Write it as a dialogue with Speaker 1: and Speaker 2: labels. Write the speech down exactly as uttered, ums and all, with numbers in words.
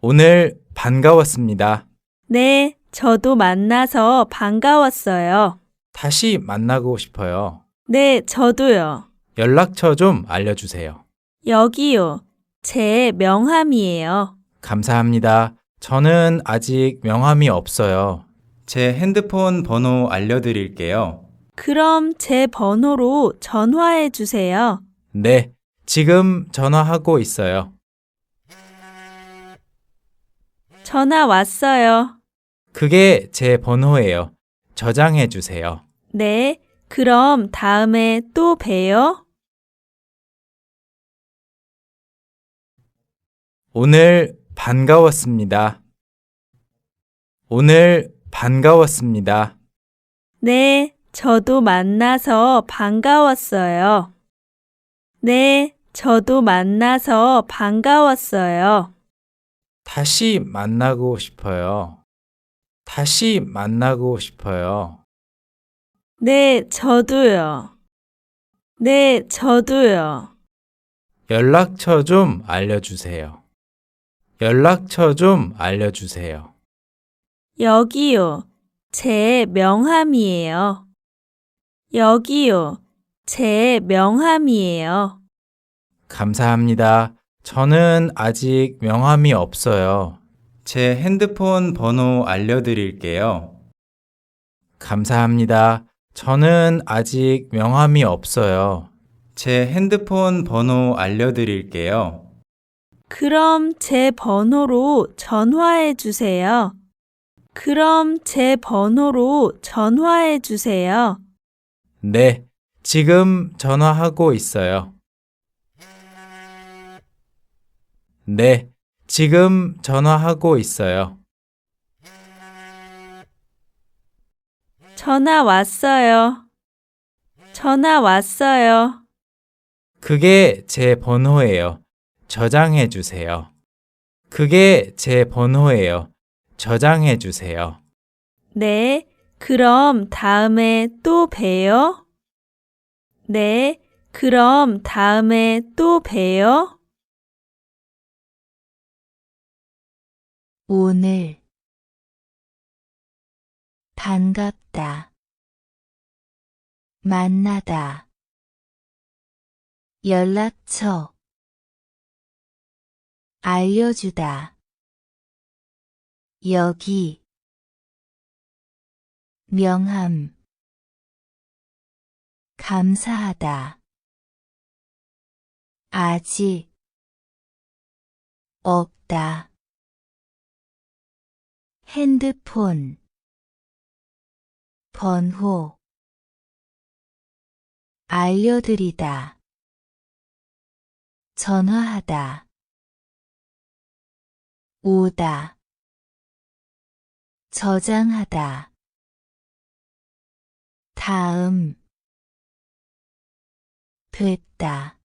Speaker 1: 오늘 반가웠습니다.
Speaker 2: 네, 저도 만나서 반가웠어요.
Speaker 1: 다시 만나고 싶어요.
Speaker 2: 네, 저도요.
Speaker 1: 연락처 좀 알려주세요.
Speaker 2: 여기요. 제 명함이에요.
Speaker 1: 감사합니다. 저는 아직 명함이 없어요. 제 핸드폰 번호 알려드릴게요.
Speaker 2: 그럼 제 번호로 전화해 주세요.
Speaker 1: 네, 지금 전화하고 있어요.
Speaker 2: 전화 왔어요.
Speaker 1: 그게 제 번호예요. 저장해 주세요.
Speaker 2: 네, 그럼 다음에 또 봬요.
Speaker 1: 오늘 반가웠습니다. 오늘 반가웠습니다.
Speaker 2: 네, 저도 만나서 반가웠어요. 네, 저도 만나서 반가웠어요.
Speaker 1: 다시 만나고 싶어요. 다시 만나고 싶어요.
Speaker 2: 네, 저도요. 네, 저도요.
Speaker 1: 연락처 좀 알려주세요. 연락처 좀 알려주세요.
Speaker 2: 여기요. 제 명함이에요. 여기요. 제 명함이에요.
Speaker 1: 감사합니다. 저는 아직 명함이 없어요. 제 핸드폰 번호 알려드릴게요. 감사합니다. 저는 아직 명함이 없어요. 제 핸드폰 번호 알려드릴게요.
Speaker 2: 그럼 제 번호로 전화해 주세요. 그럼 제 번호로 전화해 주세요.
Speaker 1: 네, 지금 전화하고 있어요. 네, 지금 전화하고 있어요.
Speaker 2: 전화 왔어요. 전화 왔어요.
Speaker 1: 그게 제 번호예요. 저장해 주세요. 그게 제 번호예요. 저장해 주세요.
Speaker 2: 네, 그럼 다음에 또 봬요. 네, 그럼 다음에 또 봬요.
Speaker 3: 오늘 반갑다. 만나다. 연락처 알려주다. 여기 명함 감사하다. 아직 없다. 핸드폰 번호 알려드리다. 전화하다. 오다. 저장하다. 다음 됐다.